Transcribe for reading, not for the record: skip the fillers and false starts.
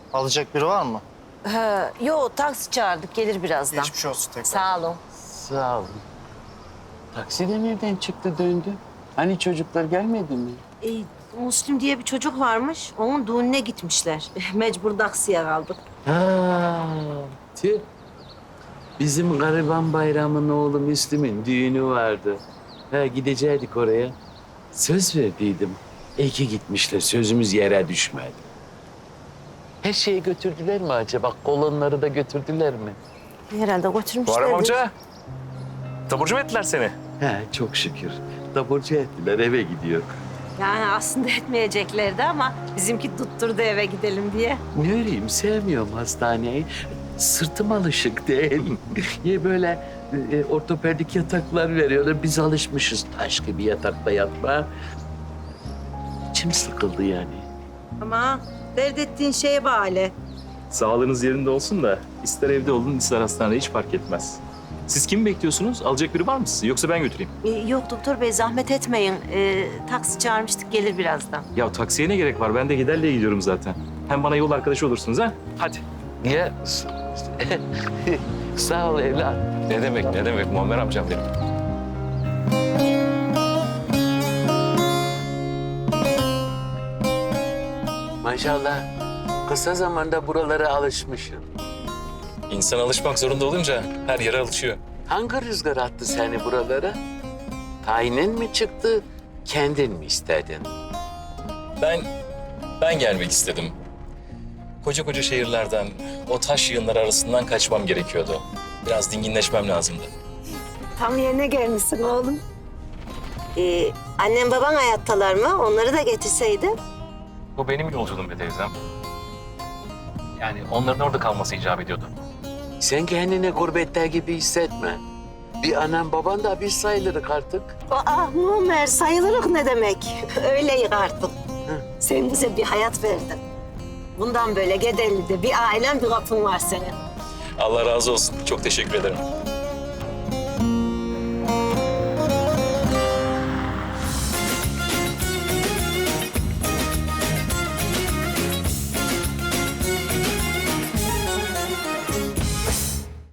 Alacak biri var mı? Yo, taksi çağırdık, gelir birazdan. Geçmiş olsun tekrar. Sağ olun. Sağ olun. Taksi de nereden çıktı döndü? Hani çocuklar gelmedi mi? Müslüm diye bir çocuk varmış, onun düğününe gitmişler. Mecbur taksiye kaldık. Ha, tüh. Bizim Gariban Bayram'ın oğlu Müslüm'ün düğünü vardı. Gidecektik oraya. Söz verdiydim. İyi ki gitmişler, sözümüz yere düşmedi. Her şeyi götürdüler mi acaba? Kolonları da götürdüler mi? Herhalde götürmüşler. Muharrem amca. Taburcu mu ettiler seni? Çok şükür. Taburcu ettiler, eve gidiyor. Yani aslında etmeyeceklerdi ama bizimki tutturdu eve gidelim diye. Ne öreyim, sevmiyorum hastaneyi. Sırtım alışık değil. Niye böyle ortopedik yataklar veriyorlar? Biz alışmışız taş gibi yatakta yatmaya. İçim sıkıldı yani. Ama dert ettiğin şeye bağlı. Sağlığınız yerinde olsun da ister evde olun ister hastanede hiç fark etmez. Siz kimi bekliyorsunuz? Alacak biri var mı sizi? Yoksa ben götüreyim. Yok doktor bey, zahmet etmeyin. Taksi çağırmıştık, gelir birazdan. Ya taksiye ne gerek var? Ben de giderle gidiyorum zaten. Hem bana yol arkadaşı olursunuz ha? Hadi. Ya sağ ol evlat. Ne demek Muammer amcam benim. Maşallah kısa zamanda buralara alışmışsın. İnsan alışmak zorunda olunca her yere alışıyor. Hangi rüzgar attı seni buralara? Tayinin mi çıktı, kendin mi istedin? Ben gelmek istedim. Koca şehirlerden, o taş yığınları arasından kaçmam gerekiyordu. Biraz dinginleşmem lazımdı. Tam yerine gelmişsin oğlum. Annem baban hayattalar mı? Onları da getirseydin. Bu benim yolculuğum be teyzem. Yani onların orada kalması icap ediyordu. Sen kendini gurbette gibi hissetme. Bir anan baban da biz sayılırız artık. Muammer, sayılırık ne demek? Öyleyik artık. Sen bize bir hayat verdin. Bundan böyle Gedeli'de bir ailen, bir kapın var senin. Allah razı olsun. Çok teşekkür ederim.